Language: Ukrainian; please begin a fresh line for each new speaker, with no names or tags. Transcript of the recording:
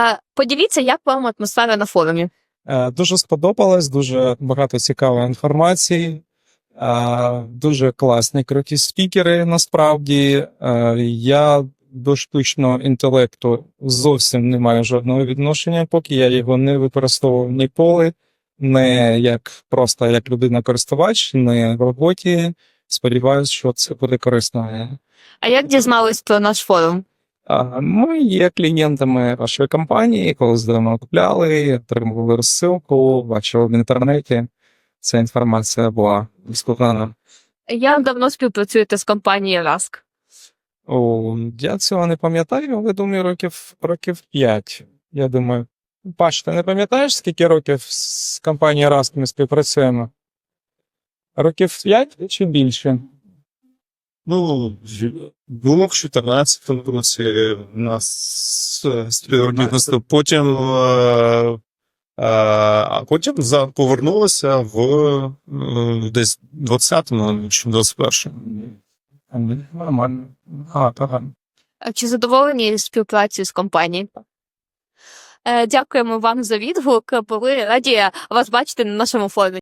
Поділіться, як вам атмосфера на форумі?
Дуже сподобалось, дуже багато цікавої інформації, дуже класні, круті спікери насправді. Я до штучного інтелекту зовсім не маю жодного відношення, поки я його не використовував ніколи, не просто як людина-користувач, не в роботі. Сподіваюсь, що це буде корисно.
А як дізнались про наш форум?
Ми є клієнтами вашої компанії, коли давно купляли, отримували розсилку, бачили в інтернеті. Ця інформація була безкоштовна.
Як давно співпрацюєте з компанією Rask?
Я цього не пам'ятаю, але думаю, років 5. Я думаю, Паш, ти не пам'ятаєш, скільки років з компанією Rask ми співпрацюємо? Років 5 чи більше?
Ну, було в 14-му році у нас співробітництво. Потім повернулося в десь 20-му чи 21-му.
Нормально. Гарно.
Чи задоволені співпрацею з компанією? Дякуємо вам за відгук. Були раді вас бачити на нашому форумі.